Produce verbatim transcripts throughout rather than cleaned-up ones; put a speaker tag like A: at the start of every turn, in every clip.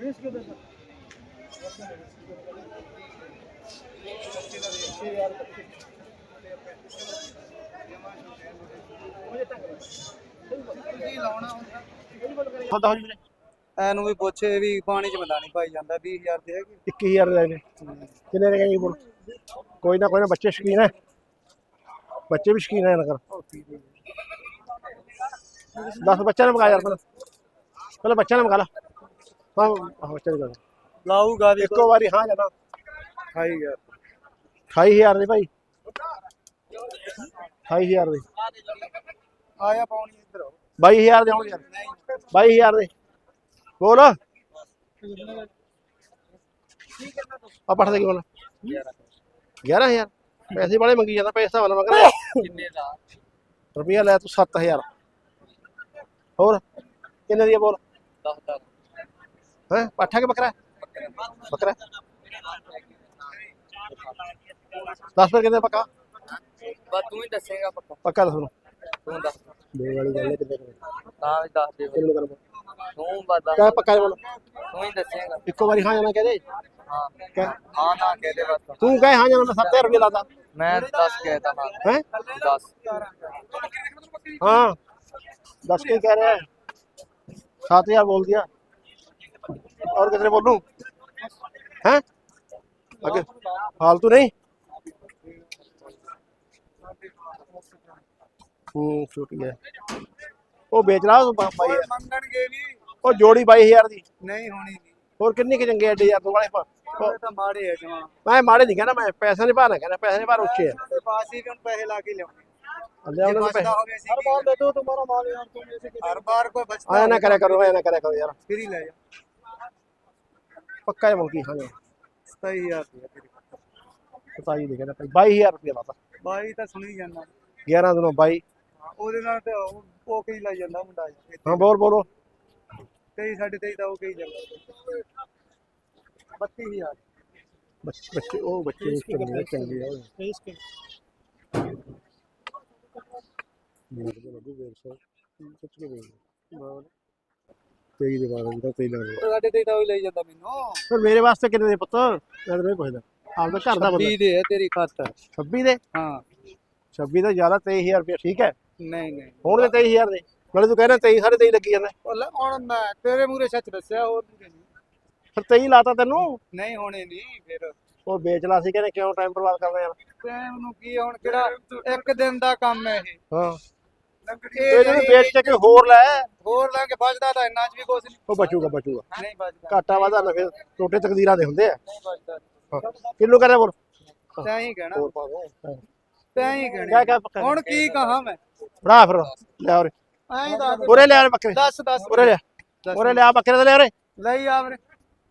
A: Inu भी पुछ भी पानी च मदानी पाई जाता बीस हजार दे
B: इक्की हजार लेने किन्ने दे गए बोल कोई ना कोई ना बच्चे शकीन है बच्चे भी शकीन है नगर दस बच्चा ने मंगा यार पहले बच्चा ने मंगा ला हाँ बच्चा ने
A: लाऊगा भी
B: एको बारी हाँ जाना
A: खाई यार
B: अठाई हजार दे भाई अठाई हजार दे
A: आया पानी इधर
B: बाई हजार दे यार बाई हजार दे बोल आ पढ़ दे बोल ग्यारह हजार पैसे बड़े मंगी जाता पैसा वाला मंग रुपया लै तू सत्त हजार होर किन्ने दी बोल हैं पाठा के बकरा बकरा दस पर कितने पक्का
A: बस तू ही दसेगा पक्का
B: पक्का दस
A: तू दस
B: दे वाली गल है कितने
A: हां दस दे
B: किलो कर
A: तू बस दस
B: क्या पक्का बोल
A: तू ही दसेगा
B: इको बारी हां जाना कह दे
A: हां
B: क्या
A: हां ना कह दे बस
B: तू कहे हां जाना सत्त हजार रुपया लाता
A: मैं दस कहता हां
B: हैं
A: दस
B: हाँ दस के कह रहे हैं सात हजार बोल दिया और कितने बोलूं हैं आगे फालतू नहीं हम्म छोटी है वो बेच रहा हूँ बाई
A: मंगन के भी
B: वो जोड़ी बाई हजार दी
A: नहीं होनी नहीं
B: और कितनी के चंगे एडे यार तू वाले पर
A: ये तो मारे है जमा
B: मैं माड़े नहीं कहना मैं पैसा नहीं पाना कहना पैसे नहीं पाना उच्चे है
A: ते पास ही कौन पैसे लाके ले
B: अल्लाह उन्होंने पैसे
A: हर बार दे दो तुम्हारा माल यार तुम ऐसे हर बार कोई बचता
B: आया ना करे करो आया ना करे करो यार
A: फिर ही ले जा
B: पक्का है मुल्की हाँ
A: सही यार
B: बताइए देखे ना बाई हजार रुपया लाता
A: ਬਾਈ ਤਾਂ ਸੁਣੀ ਜਾਂਦਾ
B: ग्यारह दिनों बाई
A: ਉਹਦੇ ਨਾਲ ਤੇ ਉਹ ਉਹ ਕਈ ਲੱਗ ਜਾਂਦਾ ਮੁੰਡਾ
B: हाँ बोल बोलो
A: ਤੇਈ ਸਾਢੇ ਤੇਈ ਦਾ ਉਹ ਕਈ ਜਾਂਦਾ ਬੱਤੀ ਹਜ਼ਾਰ
B: बच्चे बच्चे ओ बच्चे चंगे चंगे है लगू डेढ़ सौ सच में तेई दे बारे में तेई लग
A: ਸਾਢੇ ਤੇਈ ਦਾ ਉਹ ਲਈ ਜਾਂਦਾ ਮੈਨੂੰ
B: पर मेरे वास्ते कितने दे पुत्र मैं तो नहीं पूछदा आप तो घर दा बंदा
A: ਵੀਹ ਦੇ ਹੈ ਤੇਰੀ ਖਾਤਰ
B: छब्बीस दे
A: ਹਾਂ
B: छब्बीस तो ज्यादा तेईस हजार रुपया ठीक है
A: ਨਹੀਂ ਨਹੀਂ
B: ਹੁਣ ਦੇ तेईस हजार दे मतलब तू कहना तेईस साढ़े तेईस लगी जांदा
A: ਉਹ ਲੈ ਹੁਣ ਮੈਂ ਤੇਰੇ ਮੂਰੇ ਸੱਚ ਦੱਸਿਆ ਹੋਰ ਨਹੀਂ
B: फिर तेईस लाता तेनू
A: ਨਹੀਂ ਹੋਣੇ ਨਹੀਂ ਫਿਰ
B: ਉਹ ਵੇਚ ਲਾ ਸੀ ਕਹਿੰਦੇ ਕਿਉਂ ਟਾਈਮ ਬਰਬਾਦ ਕਰਨਾ ਯਾਰ
A: ਟਾਈਮ ਨੂੰ ਕੀ ਹੁਣ ਕਿਹੜਾ ਇੱਕ ਦਿਨ ਦਾ ਕੰਮ ਹੈ ਇਹ
B: ਹਾਂ
A: ਇਹ
B: ਇਹ ਜਿਹਨੂੰ ਵੇਚ ਕੇ ਕੋਈ ਹੋਰ ਲੈ
A: ਹੋਰ ਲੈ ਕੇ ਬਚਦਾ ਤਾਂ ਇੰਨਾ ਚ ਵੀ ਕੁਛ ਨਹੀਂ
B: ਉਹ ਬਚੂਗਾ ਬਚੂਗਾ
A: ਨਹੀਂ ਬਚਦਾ
B: ਘਾਟਾ ਵਾਧਾ ਨਾ ਫਿਰ ਟੋਟੇ ਤਕਦੀਰਾਂ ਦੇ ਹੁੰਦੇ ਆ
A: ਨਹੀਂ ਬਚਦਾ
B: ਹਾਂ ਕਿਲੋ ਕਰੇ ਬੋਲ
A: ਤੈਂ ਹੀ ਕਹਿਣਾ
B: ਹੋਰ ਪਾ ਦੋ
A: ਤੈਂ ਹੀ
B: ਕਿਆ
A: ਕਹਿਣਾ
B: ਕਿਆ ਪੱਕਾ
A: ਹੁਣ ਕੀ ਕਹਾਂ ਮੈਂ
B: ਬਣਾ ਫਿਰ ਲੈ ਉਰੇ
A: ਐਂ ਹੀ ਦੱਸ
B: ਉਰੇ ਲੈ ਆ ਬੱਕਰੇ
A: ਦੱਸ ਦੱਸ
B: ਉਰੇ ਲੈ ਉਰੇ ਲੈ ਆ ਬੱਕਰੇ ਤੇ ਲੈ ਉਰੇ
A: ਲਈ ਆ ਵੀਰੇ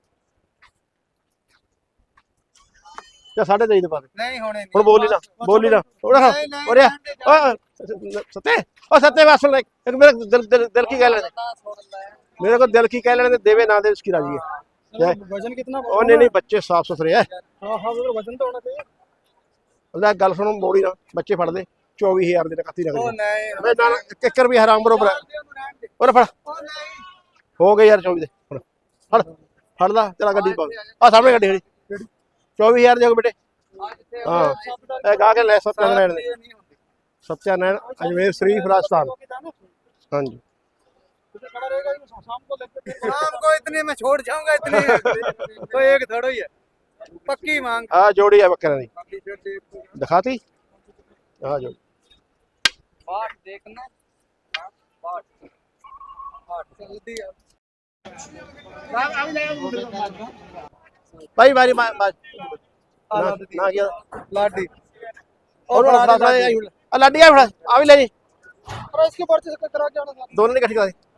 B: ਤੇ ਸਾਢੇ ਤੇਈ ਦੇ ਪਾ ਦੇ
A: ਨਹੀਂ ਹੋਣੇ ਨਹੀਂ
B: ਹੁਣ ਬੋਲੀ ਨਾ ਬੋਲੀ ਨਾ ਉਰੇ ਹਾਂ ਉਰੇ ਆ। ਓਏ ਸੱਤੇ ਓ ਸੱਤੇ ਬਸ ਸੁਣ ਲੈ ਇੱਕ ਮੇਰਾ ਦਿਲ ਦਿਲ ਦਿਲ ਕੀ ਕਹਿ ਲੈਣੇ मेरे को दिल की कह लेने देवे ना दे उसकी राजी है
A: वजन कितना
B: ओ नहीं नहीं बच्चे साफ सुथरे है
A: हां हां वो वजन तो होना चाहिए
B: ਉਹਦਾ ਗੱਲ ਸੁਣੋ ਮੋੜੀ ਨਾ ਬੱਚੇ ਫੜ ਦੇ ਚੌਵੀ ਹਜ਼ਾਰ ਦੇ ਕੱਤੀ
A: ਉਹ
B: ਲੱਗਦੇ
A: ਨਹੀਂ
B: ਮੈਂ ਨਾ ਕਿੱਕਰ ਵੀ ਹਰਾਮ ਬਰੋਬਰ ਹੈ ਉਹਨੇ ਫੜ
A: ਉਹ ਨਹੀਂ
B: ਹੋ ਗਏ ਯਾਰ ਚੌਵੀ ਦੇ ਫੜ ਫੜ ਫੜ ਲਾ ਤੇਰਾ ਗੱਡੀ ਪਾ ਆ ਸਾਹਮਣੇ ਗੱਡੀ ਖੜੀ ਚੌਵੀ ਹਜ਼ਾਰ ਦੇ ਬੇਟੇ ਹਾਂ ਇਹ ਗਾ ਕੇ ਲੈ ਸਤਿਆਨਾਰਾਇਣ ਦੇ सत्यानारायण अजमेर शरीफ राजस्थान हाँ जी
A: खड़ा रहेगा शाम को लेकर शाम को इतने में छोड़ जाऊंगा इतने तो एक थोड़ा ही है पक्की मांग
B: हाँ जोड़ी है बकरा दी दिखाती हाँ जोड़ी
A: बाट देखना बाट बाट जल्दी
B: भाई बारी ना ना किया
A: लाडी
B: और लाडी आ भी ले जी
A: और इसके पर्चे से करा के आना
B: दोनों ने इकट्ठी करा